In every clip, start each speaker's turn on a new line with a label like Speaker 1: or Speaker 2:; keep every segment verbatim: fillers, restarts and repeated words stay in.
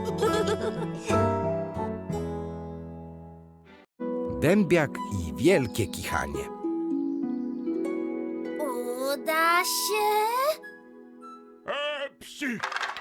Speaker 1: Dębiak i wielkie kichanie.
Speaker 2: Uda się?
Speaker 3: A, psi!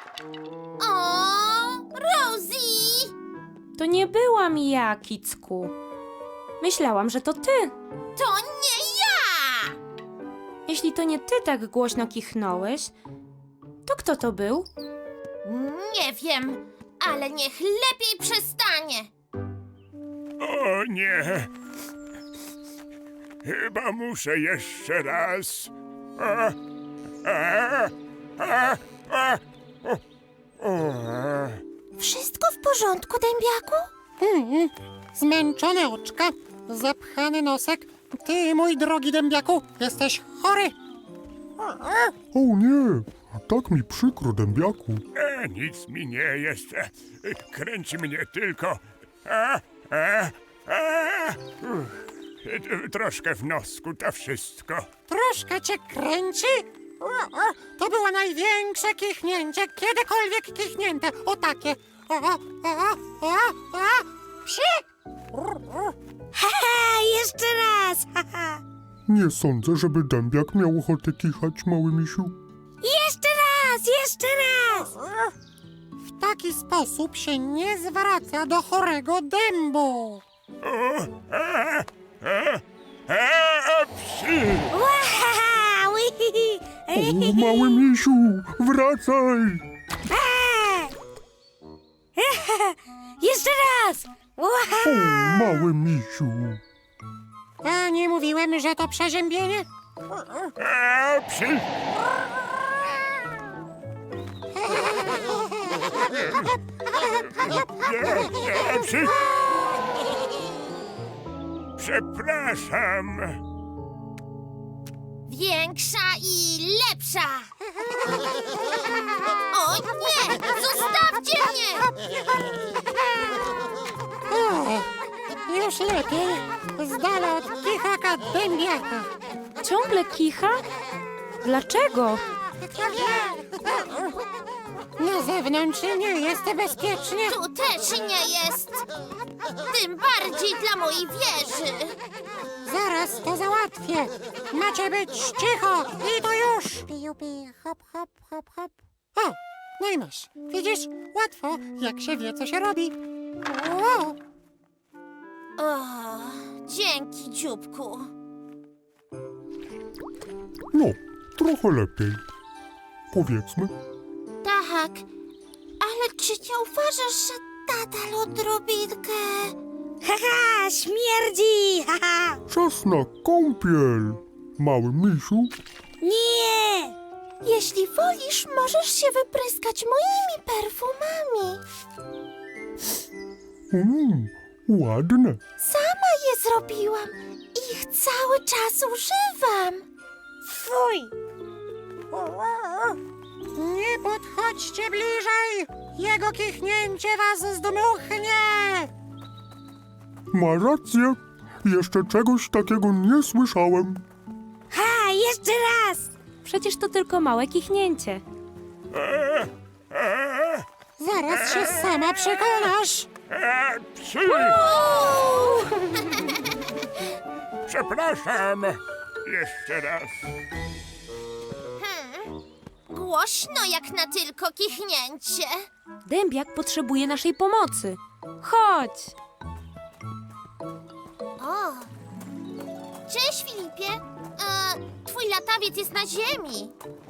Speaker 2: O, Rosie!
Speaker 4: To nie byłam ja, Kicku. Myślałam, że to ty.
Speaker 2: To nie ja!
Speaker 4: Jeśli to nie ty tak głośno kichnąłeś, to kto to był?
Speaker 2: Nie wiem, ale niech lepiej przestanie.
Speaker 3: O nie! Chyba muszę jeszcze raz. A, a, a, a, o, o.
Speaker 2: Wszystko w porządku, Dębiaku?
Speaker 5: Hmm, zmęczone oczka, zapchany nosek. Ty, mój drogi dębiaku, jesteś chory.
Speaker 6: O nie, tak mi przykro, dębiaku.
Speaker 3: E, nic mi nie jest. E, Kręci mnie tylko. A, a, a. Uff. E, Troszkę w nosku, to wszystko.
Speaker 5: Troszkę cię kręci? O, o, to było największe kichnięcie, kiedykolwiek kichnięte. O takie. O, o, o, o, o, psi!
Speaker 2: Haha, jeszcze raz! Haha.
Speaker 6: Nie sądzę, żeby dębiak miał ochotę kichać, mały misiu.
Speaker 2: Jeszcze raz, jeszcze raz!
Speaker 5: W taki sposób się nie zwraca do chorego dębu.
Speaker 3: O, a, a, a, psi!
Speaker 2: Wahaha, wihihi.
Speaker 6: O, mały misiu, wracaj!
Speaker 2: Jeszcze raz!
Speaker 6: O, mały misiu.
Speaker 5: A nie mówiłem, że to przeziębienie?
Speaker 3: A, psi! Nie, nie, psi! Przepraszam.
Speaker 2: Większa i lepsza! O nie! Zostawcie mnie!
Speaker 5: O, już lepiej. Z dala od kichaka dębiaka.
Speaker 4: Ciągle kicha? Dlaczego?
Speaker 5: Na zewnątrz nie jest bezpiecznie.
Speaker 2: Tu też nie jest! Tym bardziej dla mojej wieży!
Speaker 5: Zaraz to załatwię. Macie być cicho i to już. Piju, piju, hop, hop, hop, hop. O, no i masz. Widzisz? Łatwo, jak się wie, co się robi. O,
Speaker 2: O, dzięki, dzióbku.
Speaker 6: No, trochę lepiej. Powiedzmy.
Speaker 2: Tak, ale czy nie uważasz, że nadal odrobinkę... Haha, śmierdzi! Haha!
Speaker 6: Czas na kąpiel, mały misiu.
Speaker 2: Nie! Jeśli wolisz, możesz się wypryskać moimi perfumami.
Speaker 6: Mm, ładne.
Speaker 2: Sama je zrobiłam i ich cały czas używam. Fuj!
Speaker 5: nie podchodźcie bliżej. Jego kichnięcie was zdmuchnie.
Speaker 6: Ma rację. Jeszcze czegoś takiego nie słyszałem.
Speaker 2: Ha, jeszcze raz!
Speaker 4: Przecież to tylko małe kichnięcie.
Speaker 5: Zaraz się sama przekonasz.
Speaker 3: A, psi! Przepraszam. Jeszcze raz.
Speaker 2: Hmm, głośno jak na tylko kichnięcie.
Speaker 4: Dębiak potrzebuje naszej pomocy. Chodź!
Speaker 2: O! Cześć, Filipie. E, twój latawiec jest na ziemi.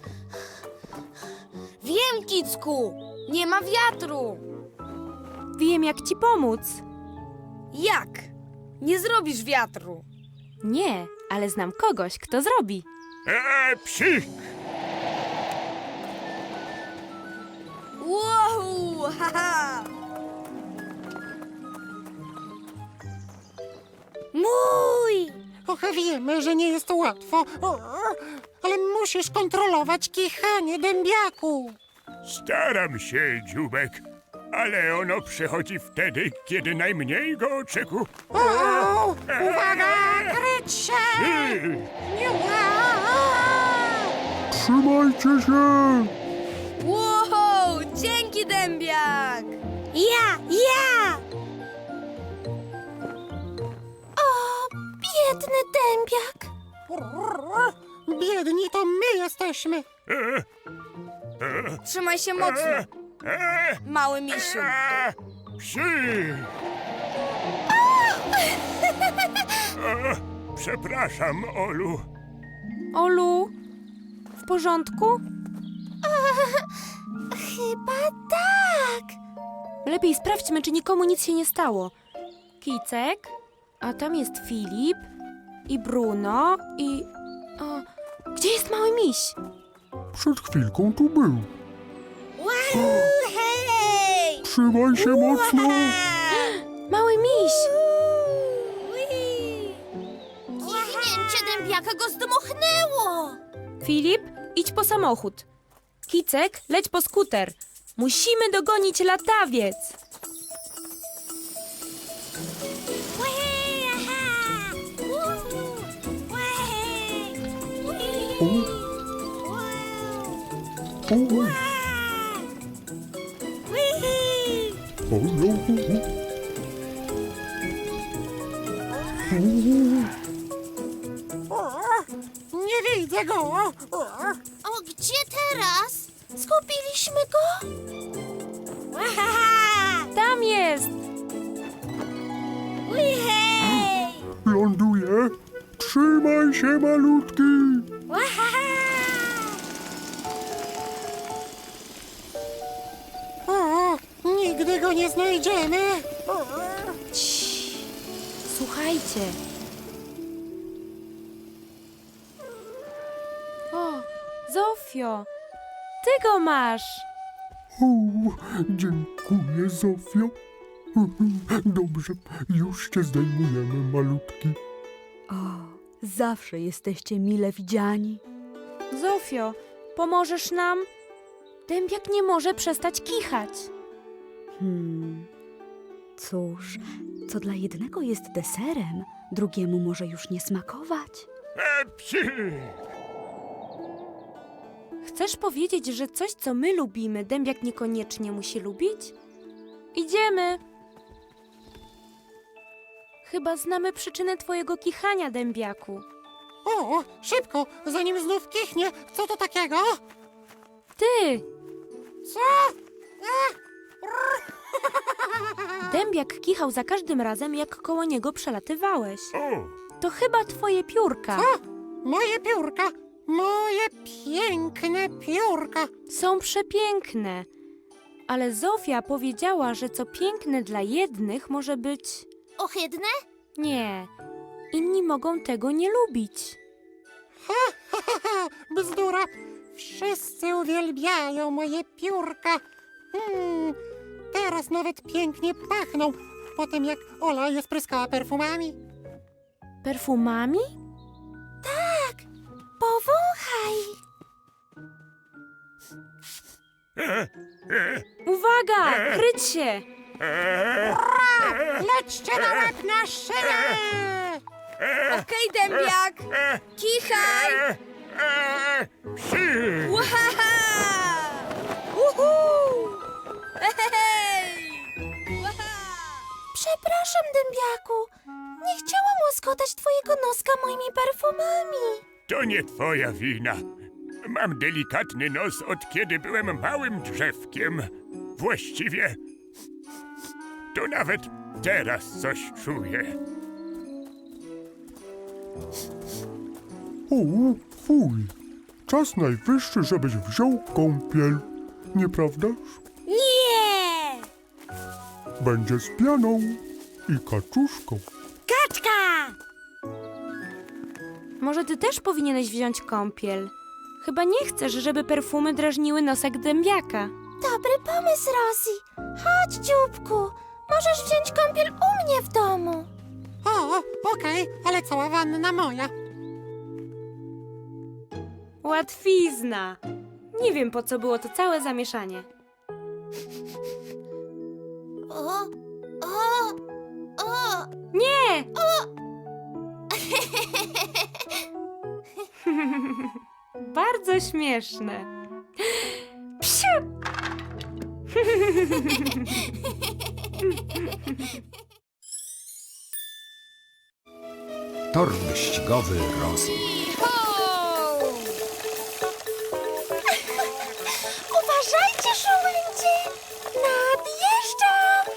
Speaker 7: Wiem, Kicku! Nie ma wiatru!
Speaker 4: Wiem, jak ci pomóc.
Speaker 7: Jak? Nie zrobisz wiatru!
Speaker 4: Nie, ale znam kogoś, kto zrobi.
Speaker 3: A, psi!
Speaker 7: Wow! Haha!
Speaker 2: Mój!
Speaker 5: Och, wiemy, że nie jest łatwo, o, ale musisz kontrolować kichanie dębiaku.
Speaker 3: Staram się, dzióbek, ale ono przychodzi wtedy, kiedy najmniej go oczekuję.
Speaker 5: O, uwaga, kryć się!
Speaker 3: Psi!
Speaker 5: Nie,
Speaker 6: Trzymajcie się!
Speaker 7: Wow! Dzięki, dębiak! Ja, ja!
Speaker 2: Biedny dębiak.
Speaker 5: Biedni to my jesteśmy.
Speaker 3: E, e,
Speaker 7: Trzymaj się mocno,
Speaker 3: e, e,
Speaker 7: mały misiu.
Speaker 3: e, psi! E, Przepraszam, Olu.
Speaker 4: Olu, w porządku?
Speaker 2: Chyba tak.
Speaker 4: Lepiej sprawdźmy, czy nikomu nic się nie stało. Kicek, a tam jest Filip i Bruno i... O, gdzie jest mały miś?
Speaker 6: Przed chwilką tu był.
Speaker 7: Wow, hej!
Speaker 6: Trzymaj się mocno.
Speaker 4: Mały miś!
Speaker 2: Kichnięcie dębiaka go zdmuchnęło.
Speaker 4: Filip, idź po samochód. Kicek, leć po skuter. Musimy dogonić latawiec.
Speaker 6: O, o, o, no.
Speaker 5: Nie widzę go.
Speaker 2: O, gdzie teraz? Zgubiliśmy go?
Speaker 4: Tam jest!
Speaker 6: Ląduje. Trzymaj się, malutki.
Speaker 5: O, nigdy go nie znajdziemy.
Speaker 4: Cii. Słuchajcie. O, Zofio, ty go masz.
Speaker 6: O, dziękuję, Zofio. Dobrze, już cię zdejmujemy, malutki.
Speaker 8: O, zawsze jesteście mile widziani.
Speaker 4: Zofio, pomożesz nam? Dębiak nie może przestać kichać.
Speaker 8: Hmm. Cóż, co dla jednego jest deserem, drugiemu może już nie smakować.
Speaker 3: E, psi!
Speaker 4: Chcesz powiedzieć, że coś, co my lubimy, dębiak niekoniecznie musi lubić? Idziemy. Chyba znamy przyczynę twojego kichania, dębiaku.
Speaker 5: O, szybko, zanim znów kichnie. Co to takiego?
Speaker 4: Ty!
Speaker 5: Co?
Speaker 4: Dębiak kichał za każdym razem, jak koło niego przelatywałeś.
Speaker 3: O,
Speaker 4: To chyba twoje piórka.
Speaker 5: Co? Moje piórka. Moje piękne piórka.
Speaker 4: Są przepiękne. Ale Zofia powiedziała, że co piękne dla jednych może być...
Speaker 2: Ohydne?
Speaker 4: Nie. Inni mogą tego nie lubić.
Speaker 5: Ha, ha, ha, bzdura. Wszyscy uwielbiają moje piórka. Hmm, teraz nawet pięknie pachną, po tym jak Ola je spryskała perfumami.
Speaker 4: Perfumami?
Speaker 2: Powąchaj.
Speaker 3: e, e,
Speaker 4: Uwaga! Kryć się!
Speaker 3: e,
Speaker 5: Lećcie na łeb na szynę!
Speaker 7: Okej, dębiak,
Speaker 3: e,
Speaker 7: kichaj!
Speaker 3: e, e, psi!
Speaker 7: Łahaha! Uhu! Hej! Łaha!
Speaker 2: Przepraszam, dębiaku. Nie chciałam łaskotać twojego noska moimi perfumami.
Speaker 3: To nie twoja wina. Mam delikatny nos od kiedy byłem małym drzewkiem. Właściwie to nawet teraz coś czuję.
Speaker 6: O, fuj. Czas najwyższy, żebyś wziął kąpiel. Nieprawdaż?
Speaker 7: Nie!
Speaker 6: Będzie z pianą i kaczuszką.
Speaker 7: Kaczka!
Speaker 4: Może ty też powinieneś wziąć kąpiel. Chyba nie chcesz, żeby perfumy drażniły nosek dębiaka.
Speaker 2: Dobry pomysł, Rosie. Chodź, dzióbku. Możesz wziąć kąpiel u mnie w domu.
Speaker 5: O, okej, ale cała wanna moja.
Speaker 4: Łatwizna. Nie wiem, po co było to całe zamieszanie.
Speaker 2: O, o, o.
Speaker 4: Nie! Bardzo śmieszne. Psiu!
Speaker 1: Tor wyścigowy Rosie.
Speaker 2: Uważajcie, żołędzie! Nadjeżdżam!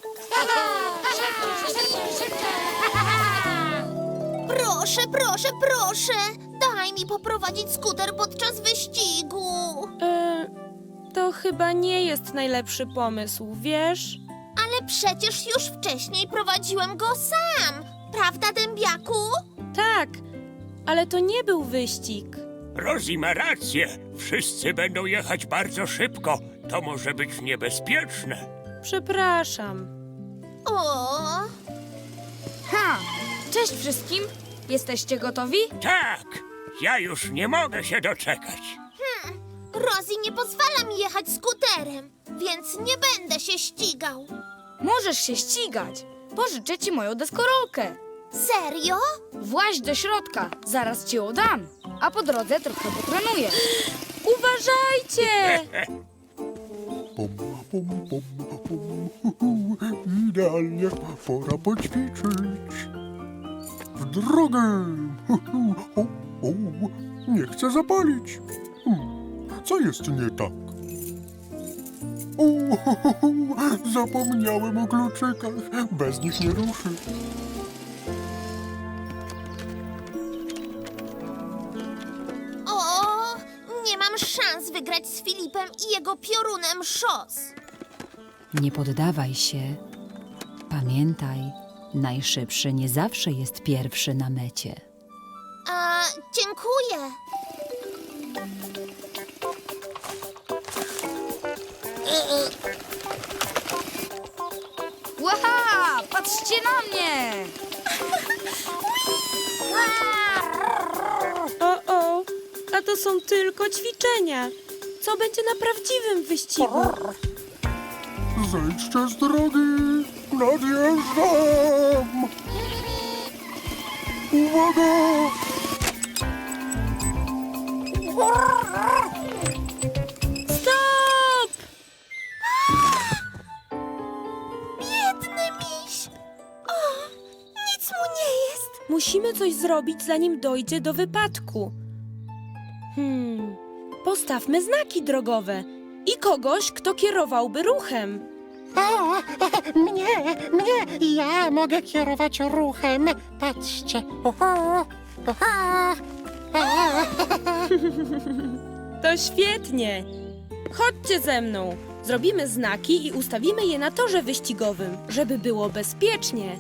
Speaker 2: Proszę, proszę, proszę! Daj mi poprowadzić skuter podczas wyścigu.
Speaker 4: E, to chyba nie jest najlepszy pomysł, wiesz?
Speaker 2: Ale przecież już wcześniej prowadziłem go sam. Prawda, dębiaku?
Speaker 4: Tak, ale to nie był wyścig.
Speaker 3: Rosie ma rację. Wszyscy będą jechać bardzo szybko. To może być niebezpieczne.
Speaker 4: Przepraszam.
Speaker 2: O,
Speaker 7: Ha! Cześć wszystkim! Jesteście gotowi?
Speaker 3: Tak, ja już nie mogę się doczekać.
Speaker 2: Rosie nie pozwala mi jechać skuterem, więc nie będę się ścigał.
Speaker 7: Możesz się ścigać. Pożyczę ci moją deskorolkę.
Speaker 2: Serio?
Speaker 7: Właź do środka, zaraz ci ją dam. A po drodze trochę potrenuję.
Speaker 4: Uważajcie!
Speaker 6: Pom, pom, pom, pom. Idealnie, pora poćwiczyć. W drogę! O, o, nie chcę zapalić. Hmm, co jest nie tak? O, zapomniałem o kluczykach. Bez nich nie ruszy.
Speaker 2: O, nie mam szans wygrać z Filipem i jego piorunem szos.
Speaker 9: Nie poddawaj się. Pamiętaj, najszybszy nie zawsze jest pierwszy na mecie.
Speaker 2: A, dziękuję.
Speaker 7: Łaha! Patrzcie na mnie!
Speaker 4: O, o, a to są tylko ćwiczenia. Co będzie na prawdziwym wyścigu?
Speaker 6: Zejdźcie z drogi! Nadjeżdżam! Uwaga!
Speaker 4: Stop!
Speaker 2: Biedny miś. O, nic mu nie jest.
Speaker 4: Musimy coś zrobić, zanim dojdzie do wypadku. Hmm, postawmy znaki drogowe i kogoś, kto kierowałby ruchem.
Speaker 5: O, mnie, mnie, ja mogę kierować ruchem. Patrzcie. Oho, oho. O.
Speaker 4: To świetnie. Chodźcie ze mną. Zrobimy znaki i ustawimy je na torze wyścigowym, żeby było bezpiecznie.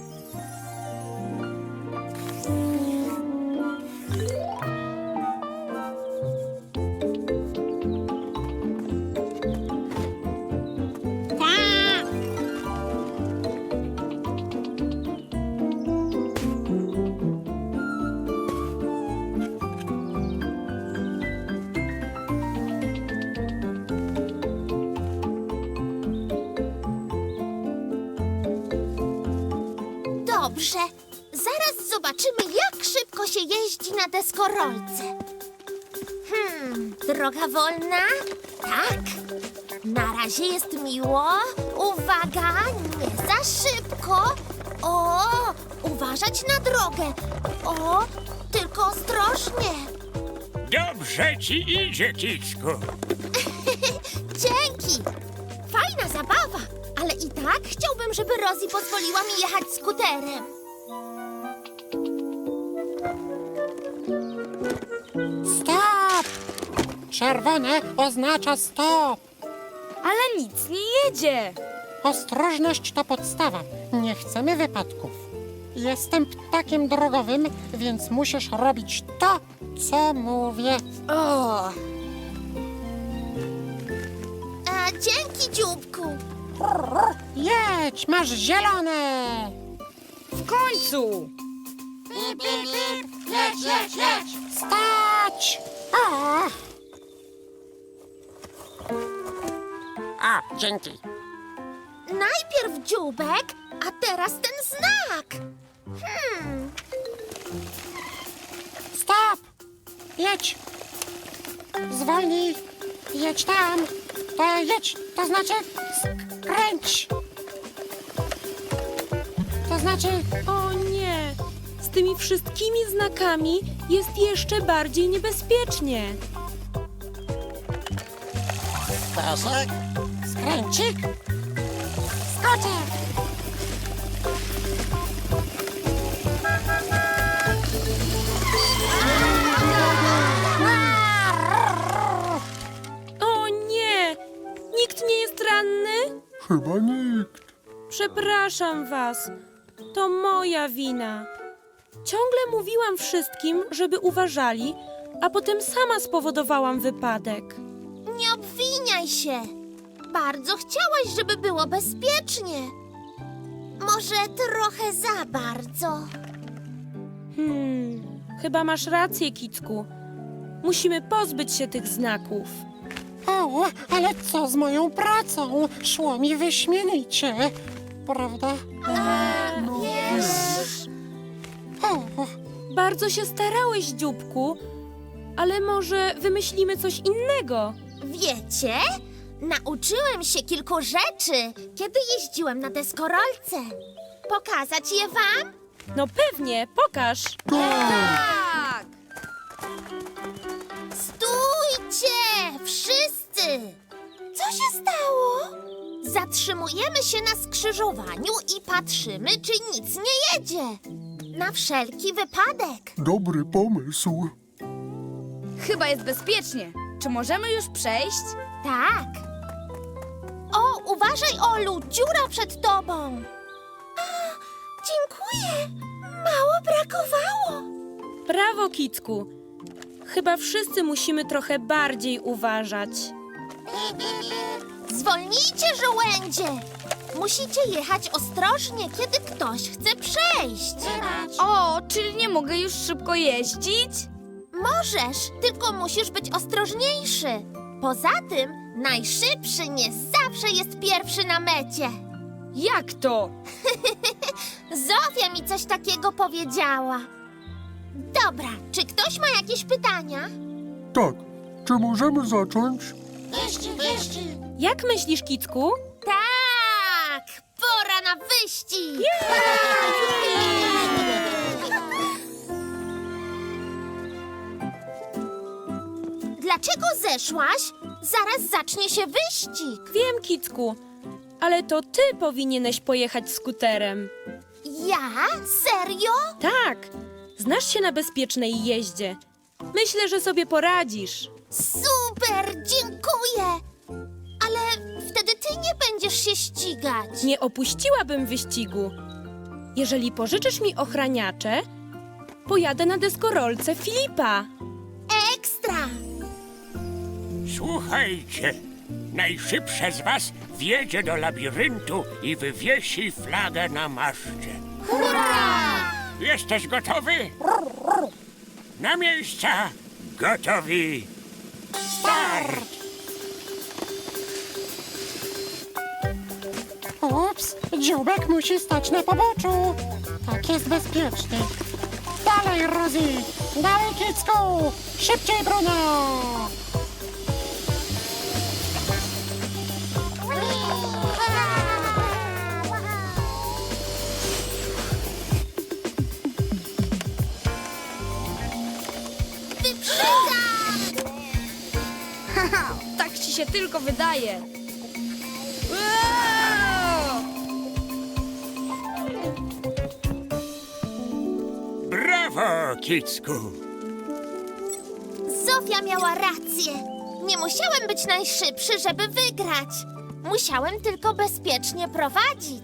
Speaker 2: Dobrze, zaraz zobaczymy, jak szybko się jeździ na deskorolce. Hmm, droga wolna? Tak. Na razie jest miło. Uwaga, nie za szybko. O, uważać na drogę. O, tylko ostrożnie.
Speaker 3: Dobrze ci idzie, Kicku.
Speaker 2: Dzięki. Fajna zabawa, ale i tak chciałbym, żeby Rosie pozwoliła mi jechać skuterem.
Speaker 5: Stop! Czerwone oznacza stop.
Speaker 7: Ale nic nie jedzie.
Speaker 5: Ostrożność to podstawa. Nie chcemy wypadków. Jestem ptakiem drogowym, więc musisz robić to, co mówię.
Speaker 7: O,
Speaker 2: A, dzięki, dzióbku.
Speaker 5: Jedź, masz zielone.
Speaker 7: w końcu!
Speaker 5: Bip, bip, bip. Jedź, jedź, jedź. Stać! O! A, dzięki.
Speaker 2: Najpierw dzióbek, a teraz ten znak. Hmm,
Speaker 5: Stop! Jedź! Zwolnij! Jedź tam! To jedź! To znaczy skręć! To znaczy,
Speaker 4: O nie! Z tymi wszystkimi znakami jest jeszcze bardziej niebezpiecznie.
Speaker 5: pasek, skręcik, skoczek.
Speaker 4: O nie! Nikt nie jest ranny?
Speaker 6: Chyba nikt.
Speaker 4: Przepraszam was. To moja wina. Ciągle mówiłam wszystkim, żeby uważali, a potem sama spowodowałam wypadek.
Speaker 2: Nie obwiniaj się. Bardzo chciałaś, żeby było bezpiecznie. Może trochę za bardzo.
Speaker 4: Hmm, chyba masz rację, Kicku. Musimy pozbyć się tych znaków.
Speaker 5: O, ale co z moją pracą? Szło mi wyśmienicie, prawda?
Speaker 2: Wiesz...
Speaker 5: O,
Speaker 4: Bardzo się starałeś, dzióbku, ale może wymyślimy coś innego.
Speaker 2: Wiecie? Nauczyłem się kilku rzeczy, kiedy jeździłem na deskorolce. Pokazać je wam?
Speaker 4: No pewnie, pokaż.
Speaker 7: Tak!
Speaker 2: Stójcie! Wszyscy! Co się stało? Zatrzymujemy się na skrzyżowaniu i patrzymy, czy nic nie jedzie. Na wszelki wypadek.
Speaker 6: Dobry pomysł.
Speaker 7: Chyba jest bezpiecznie. Czy możemy już przejść?
Speaker 2: Tak. O, uważaj, Olu, dziura przed tobą. A, dziękuję. Mało brakowało.
Speaker 4: Brawo, Kicku. Chyba wszyscy musimy trochę bardziej uważać.
Speaker 2: Zwolnijcie, żołędzie. Musicie jechać ostrożnie, kiedy ktoś chce przejść.
Speaker 7: O, czyli nie mogę już szybko jeździć?
Speaker 2: Możesz, tylko musisz być ostrożniejszy. Poza tym, najszybszy nie zawsze jest pierwszy na mecie.
Speaker 7: Jak to?
Speaker 2: Zofia mi coś takiego powiedziała. Dobra, czy ktoś ma jakieś pytania?
Speaker 6: Tak, czy możemy zacząć?
Speaker 5: wyścig, wyścig.
Speaker 4: Jak myślisz, Kicku?
Speaker 2: Tak! Pora na wyścig! Dlaczego zeszłaś? Zaraz zacznie się wyścig.
Speaker 4: Wiem, Kicku, ale to ty powinieneś pojechać skuterem.
Speaker 2: Ja? Serio?
Speaker 4: Tak, znasz się na bezpiecznej jeździe. Myślę, że sobie poradzisz.
Speaker 2: Super, dziękuję! Ale wtedy ty nie będziesz się ścigać.
Speaker 4: Nie opuściłabym wyścigu. Jeżeli pożyczysz mi ochraniacze, pojadę na deskorolce Filipa.
Speaker 2: Ekstra!
Speaker 3: Słuchajcie, najszybsza z was wjedzie do labiryntu i wywiesi flagę na maszcie.
Speaker 2: Hurra!
Speaker 3: Jesteś gotowy? Na miejsca! Gotowi! Start!
Speaker 5: Ups, dzióbek musi stać na poboczu. Tak jest bezpieczniej. Dalej, Rosie! Dalej, Kicku! Szybciej, Bruno!
Speaker 2: Wyprzedzam!
Speaker 7: Haha, tak ci się tylko wydaje. Wow!
Speaker 3: Brawo, Kicku!
Speaker 2: Zofia miała rację. Nie musiałem być najszybszy, żeby wygrać. Musiałem tylko bezpiecznie prowadzić.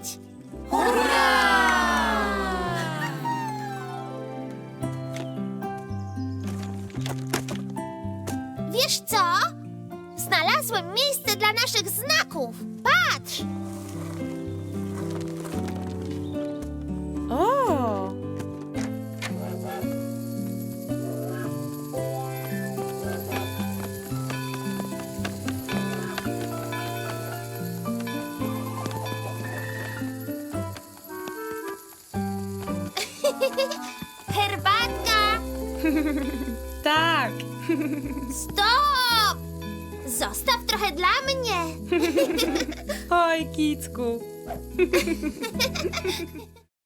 Speaker 2: Wiesz co? Znalazłem miejsce dla naszych znaków. Patrz!
Speaker 4: O!
Speaker 2: Herbatka!
Speaker 4: Tak.
Speaker 2: Stop! Zostaw trochę dla mnie.
Speaker 4: Oj, Kicku.